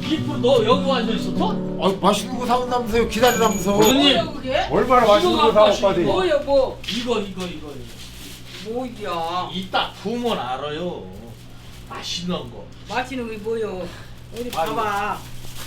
이쁘 너 여기 앉아 있었어? 아 맛있는 거 사온다면서요. 기다리라면서. 뭐예요, 그게? 얼마나 맛있는 거 사왔거든. 뭐야 뭐? 이거. 뭐야? 이따 구우면 알아요. 맛있는 거. 맛있는 게 뭐요? 어디 아이고. 봐봐.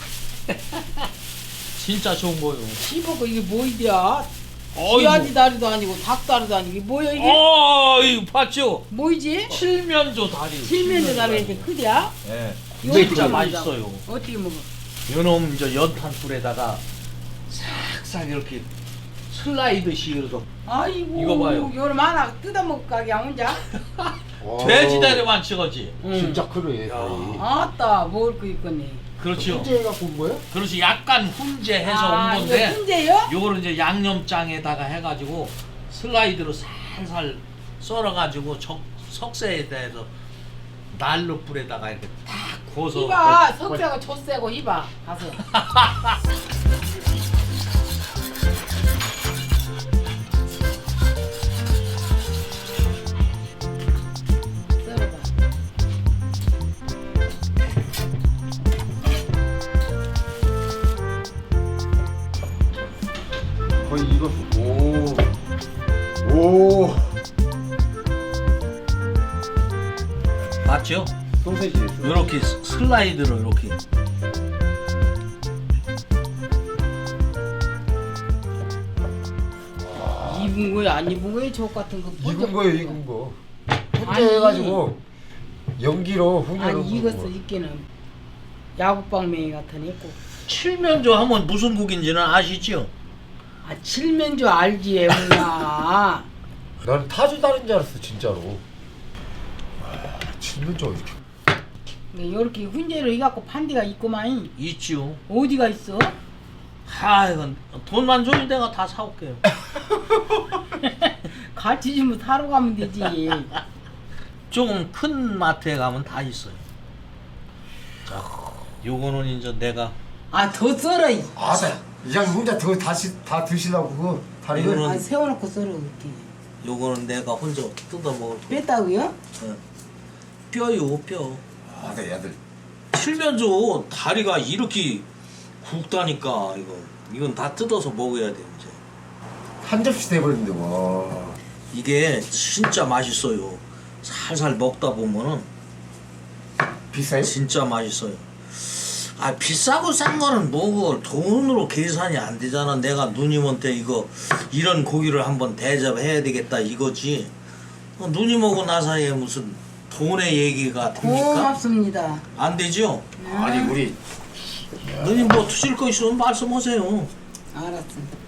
진짜 좋은 거요. 씹어고 이게 뭐이야? 어이구. 쥐아지 다리도 아니고 닭 다리도 아니고 이게 뭐야 이게? 이거 봤죠? 뭐이지? 칠면조 다리. 칠면조 다리 이렇게 크냐? 예. 이거 진짜 어떻게 맛있어요. 어떻게 먹어? 요놈 저 연탄불에다가 싹싹 이렇게 슬라이드식 이렇게 아이고 이거 봐요. 요놈 하나 뜯어먹을 가게 혼자? 돼지 다리만 찍었지. 진짜 크네. 다리. 아따 먹을 거 있겠네. 그렇죠. 혼자 해갖고 온 거야? 그렇지. 약간 훈제해서 아, 온 건데 이거 훈제요? 요거를 이제 양념장에다가 해가지고 슬라이드로 살살 썰어가지고 석쇠에 대해서 난로 불에다가 이렇게 탁 구워서 이봐 석쇠고 젖쇠고 이봐 가서. 썰어봐. 거의 이거. 오. 맞죠? 소세지. 이렇게 슬라이드로 이렇게 입은 거야 안 입은 거야 저 같은 거. 익은 거예요, 익은 거. 혼자 아니. 해가지고 연기로 훈연을. 아니 익었어 익기는. 야구방맹이 같은 있고. 칠면조 하면 무슨 국인지는 아시죠? 아 칠면조 알지 애구나. 나는 타조 다른 줄 알았어, 진짜로. 칠면조 이렇게. 이렇게 훈제로 해갖고 판디가 있구만. 있죠. 어디가 있어? 이건 돈만 줘도 내가 다 사올게요. 같이 좀 사러 가면 되지. 조금 큰 마트에 가면 다 있어요. 자, 요거는 이제 내가 아 더 썰어. 아, 이장님 혼자 다 드시려고 그거 다리. 이거는- 아 세워놓고 썰어 이렇게. 요거는 내가 혼자 뜯어 먹을 거. 뺐다고요? 뼈요 뼈. 아, 네, 애들. 칠면조 다리가 이렇게 굵다니까 이건 다 뜯어서 먹어야 돼 이제. 한 접시 돼버렸는데 와. 이게 진짜 맛있어요. 살살 먹다 보면은 비싸요? 진짜 맛있어요. 아 비싸고 싼 거는 뭐 돈으로 계산이 안 되잖아. 내가 누님한테 이런 고기를 한번 대접해야 되겠다 이거지. 누님하고 나 사이에 무슨 돈의 얘기가 됩니까? 고맙습니다. 안 되죠? 아니 우리 누님 뭐 드실 거 있으면 말씀하세요. 알았어.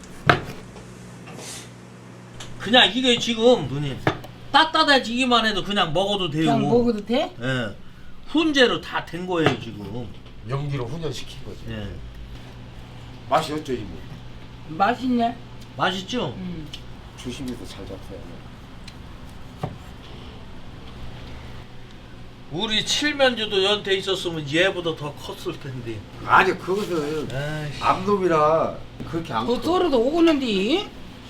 그냥 이게 지금 누님 따뜻해지기만 해도 그냥 먹어도 돼요. 그냥 먹어도 돼? 예. 훈제로 다 된 거예요 지금. 연기로 훈연시킨 거지. 예. 맛이 어쩌 이거. 맛있네. 맛있죠? 조심해서 잘 잡숴야 돼. 우리 칠면조도 연태 있었으면 얘보다 더 컸을 텐데. 아니 그것은 에이씨. 암놈이라 그렇게 안 더 커. 썰어도 오고는데.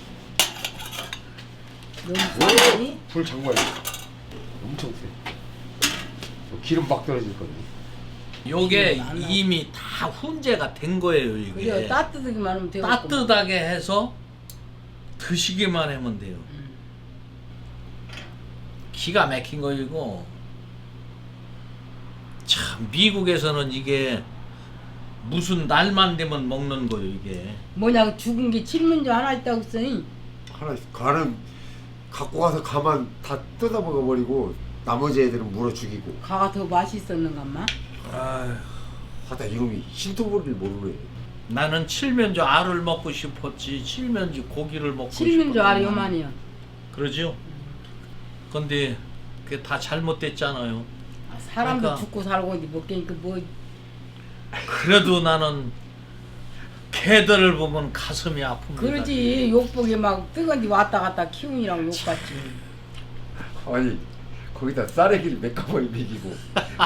너무 썰지? 불 장관이 엄청 세. 기름 막 떨어질 거든. 요게 안 나. 이미 다 훈제가 된 거예요 이게. 그래 따뜻하기만 하면 되고. 따뜻하게 해서 드시기만 하면 돼요. 기가 막힌 거 이거. 참 미국에서는 이게 무슨 날만 되면 먹는 거예요 이게. 뭐냐 죽은 게 칠면조 하나 있다고 했으니. 하나 가는 갖고 가서 가만 다 뜯어 먹어버리고 나머지 애들은 물어 죽이고. 가가 더 맛있었는가만. 아휴, 하다 이놈이 신토부리를 모르네. 나는 칠면조 알을 먹고 싶었지 칠면조 고기를 먹고 칠면조 싶었구나. 알이 요만이야. 그러죠? 근데 그게 다 잘못됐잖아요. 아, 사람도 그러니까. 죽고 살고 어디 먹겠니까 뭐. 그래도 나는 개들을 보면 가슴이 아픕니다. 그러지 욕보기 막 뜨거운데 왔다 갔다 키우니랑 욕같지. 아니 거기다 쌀에기를 몇 가마리 먹이고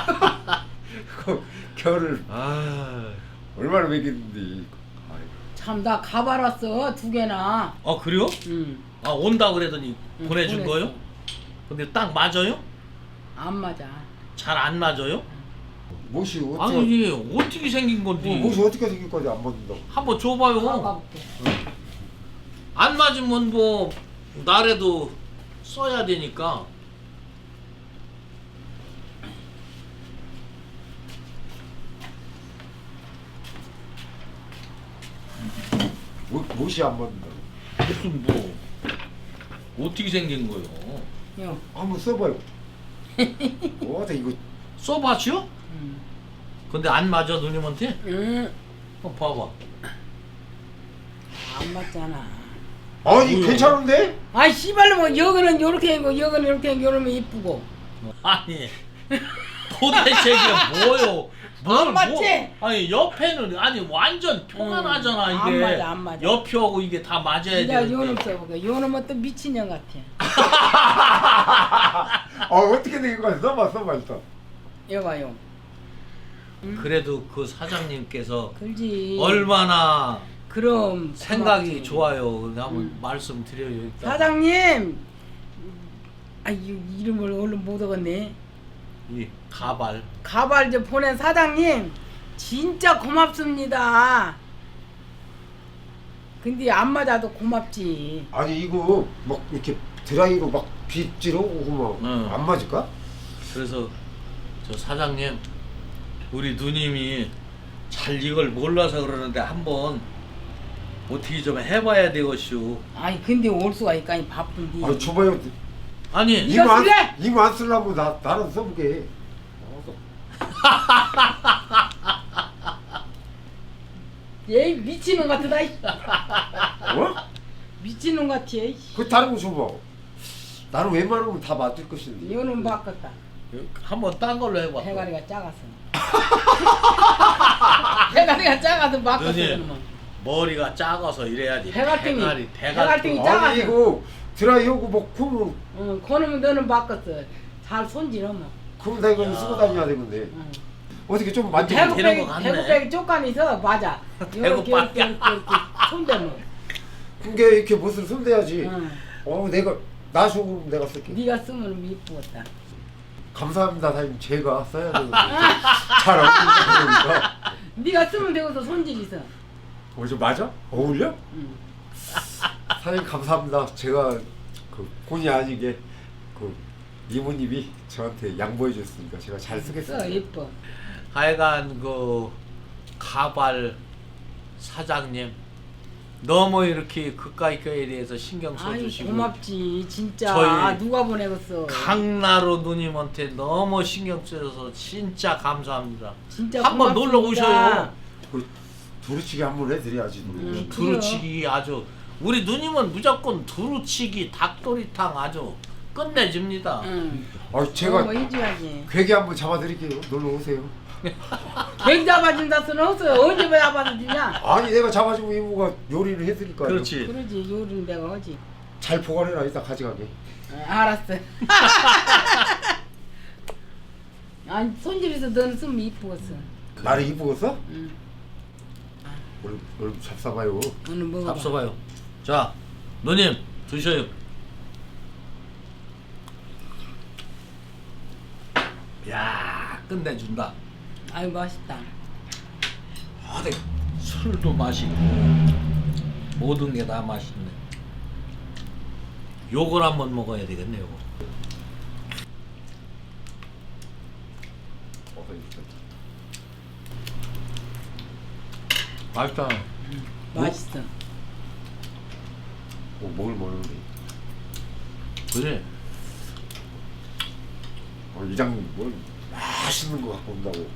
그 겨울을 얼마나 먹였는데. 참 나 가봐랐어 2개나. 그래요? 응. 아 온다 그러더니 응, 보내준 보냈어. 거요? 근데 딱 맞아요? 안 맞아. 잘 안 맞아요? 못이 어떻게 아니 어떻게 생긴 건데? 못이 어떻게 생길 거지 안 맞는다고. 한번 줘봐요. 가볼게. 안 맞으면 뭐 나래도 써야 되니까. 못이 안 맞는다고. 무슨 뭐 어떻게 생긴 거요? 요. 한번 써봐요. 어때 이거 써봤죠? 근데 안 맞아 누님한테? 응. 봐봐. 안 맞잖아. 아니 뭐야? 괜찮은데? 아이 씨발로 뭐 여기는 요렇게 하고 여기는 이렇게 하고 이러면 이쁘고. 아니 도대체 이게 뭐요? 안 맞지? 아니 옆에는 아니 완전 평안하잖아 안 이게. 맞아, 안 맞아. 옆하고 이게 다 맞아야 내가 되는데. 요놈 써볼게. 요놈은 또 미친년 같아. 어떻게 생긴 거야? 써봐 일단. 여봐요. 그래도 그 사장님께서 그렇지. 얼마나 그럼 생각이 고맙지. 좋아요. 한번 말씀드려요. 일단. 사장님. 아 이름을 얼른 못 얻었네. 이 가발. 가발 좀 보낸 사장님 진짜 고맙습니다. 근데 안 맞아도 고맙지. 아니 이거 막 이렇게 드라이로 막 빗질하고 막 응. 안 맞을까? 그래서 저 사장님 우리 누님이 잘 이걸 몰라서 그러는데 한번 어떻게 좀 해봐야 되겠슈. 아니 근데 올 수가 있까니 바쁜데. 아 줘봐요. 아니 이거 쓸래? 이거 안 쓰려면 나는 써보게. 얘 미친놈 같다. 이. 어? 미친놈 같아. 이. 그 다른 거 줘봐. 나는 웬만하면 다 맞을 것인데. 이거는 바꿨다. 한번 딴 걸로 해봐. 대가리가 작아서. 대가리가 작아서 바꿨어. 누님 그러면. 머리가 작아서 이래야지. 대갈등이- 대갈. 대갈등이- 아니 작아서. 이거 드라이하고 뭐 그러면 응, 그놈은 너는 바꿨어. 잘 손질하면. 그럼 나 이거 쓰고 다녀야 되는데. 응. 어떻게 좀 만져. 되는 거 대구백이 같네. 대구백이 쪽간이서 맞아. 대구밖에 이렇게 손대면. 그게 이렇게 못을 손대야지. 응. 내가 나시고 내가 쓸게. 네가 쓰면 이쁘겠다. 감사합니다 사장님. 제가 써야 되는데 잘 어울리니까. 네가 쓰면 되고서 손질 있어. 좀 맞아? 어울려? 응. 사장님 감사합니다. 제가 그 본의 아니게 그 이모님이 저한테 양보해 줬으니까 제가 잘 써 쓰겠습니다. 예뻐. 하여간 그 가발 사장님 너무 이렇게 그까이 거에 대해서 신경 아이 써주시고 고맙지 진짜. 저희 누가 보내겠어. 강나루 누님한테 너무 신경 써줘서 진짜 감사합니다. 진짜 한번 고맙습니다. 놀러 오셔요. 그 두루치기 한번 해드려야지. 두루치기 아주 우리 누님은 무조건 두루치기 닭도리탕 아주 끝내줍니다. 응. 제가 뭐 해줘야지. 괴기 한번 잡아드릴게요. 놀러 오세요. 백 잡아준다 쓰는 없어. 언제 잡아주냐? 아니 내가 잡아주고 이모가 요리를 해드릴까요? 그렇지. 그러지 요리는 내가 하지. 잘 보관해라 이따 가져가게. 알았어. 아니 손질해서 너는 쓰면 이쁘겠어. 나를 이쁘겠어? 응. 오늘 잡숴봐요. 오늘 먹어봐. 잡숴봐요. 자 누님 드셔요. 야 끝내준다. 아유 맛있다. 아, 네. 술도 맛있고 모든 게 다 맛있네. 요걸 한번 먹어야 되겠네 요거. 맛있다. 맛있어. 뭘 먹는데? 그래. 이장님 뭘 맛있는 거 갖고 온다고.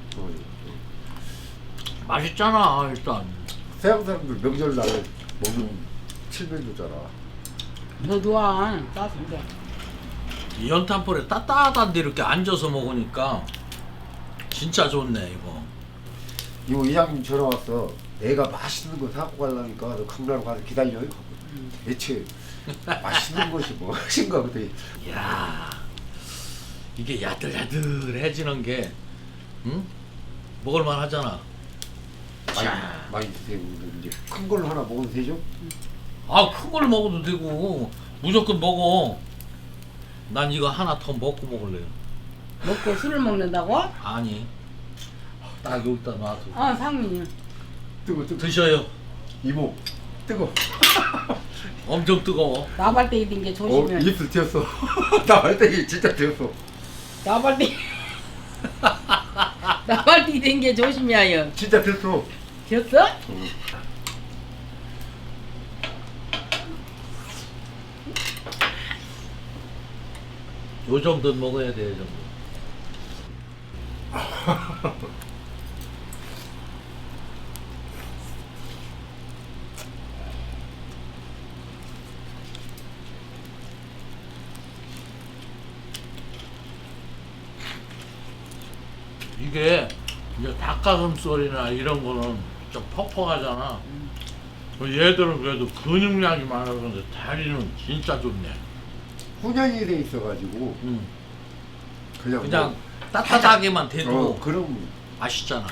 맛있잖아 일단. 서양 사람들 명절날 먹는 칠면조잖아. 너도 와. 따뜻해. 이 연탄불에 따뜻한데 이렇게 앉아서 먹으니까 진짜 좋네 이거. 이거 이장님 전화 왔어. 애가 맛있는 거 사갖고 가려니까 너 강나루 가서 기다려요. 대체 맛있는 것이 무엇인가 그때. 이야 이게 야들야들해지는 게 응? 먹을만 하잖아. 많이 드세요. 이제 큰 걸로 하나 먹어도 되죠? 아 큰 걸 먹어도 되고 무조건 먹어. 난 이거 하나 더 먹고 먹을래요. 먹고 술을 먹는다고? 아니 딱 여기다 놔둬. 상민이. 뜨거. 드셔요. 이모 뜨거. 엄청 뜨거워. 나발대기 된게 조심해. 입술 튀었어. 나발대기 진짜 튀었어. 나발대기. 나발대기 된게 조심해요. 진짜 튀었어. 됐어? 요 정도는 먹어야 돼, 요 정도. 이게 이제 닭가슴살이나 이런 거는 좀 퍽퍽하잖아. 얘들은 그래도 근육량이 많아서 그런데 다리는 진짜 좋네. 훈연이 돼 있어가지고 그냥 그냥 따뜻하게만 돼도 그럼 맛있잖아.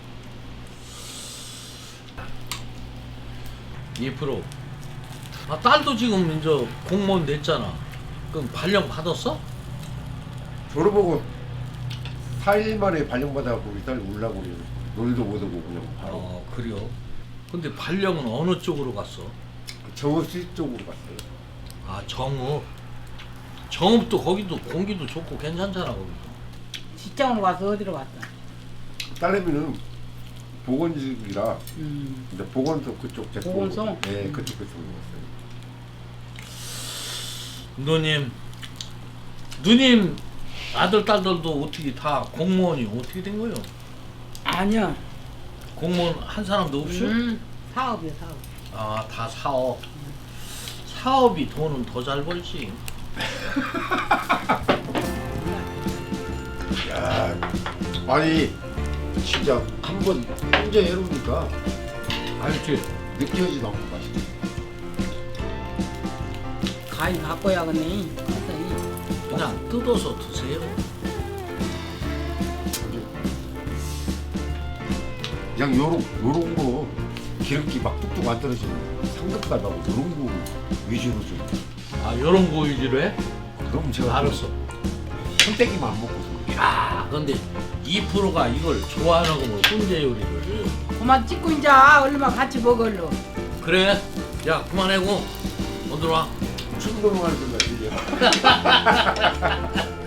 2%. 아, 딸도 지금 이제 공무원 됐잖아. 그럼 발령 받았어? 졸업하고 4일 만에 발령받아갖고 우리 딸 울라고 그래요. 놀도 못 오고 그냥 바로 그래요. 근데 발령은 어느 쪽으로 갔어? 정읍시 쪽으로 갔어요. 아, 정읍. 정읍도 거기도 공기도 좋고 괜찮잖아, 거기도. 직장으로 가서 어디로 갔어? 딸내미는 보건직이라 음. 근데 보건소 그쪽 제품 보건소? 네 그쪽 갔어요. 누님 아들 딸들도 어떻게 다 공무원이 어떻게 된 거예요? 아니야. 공무원 한 사람도 없이? 사업이야 사업. 아, 다 사업. 사업이 돈은 더 잘 벌지. 야, 아니 진짜 한번 혼자 해놓으니까 알지? 느껴지도 않고 맛있어. 가위 갖고 야겠네. 그냥 뜯어서 드세요. 그냥 요런 거 기름기 막 뚝뚝 안 떨어지는 삼겹살 말고 요런 거 위주로 좀. 아, 요런 거 위주로 해? 그럼 제가 알았어. 손대기만 안 먹고서. 야, 근데 2%가 이걸 좋아하는 거면 훈제 요리를. 그만 찍고 이제 얼마 같이 먹을러. 그래? 야, 그만하고 어디로 와? 춤 넘어가는 소리가 들려.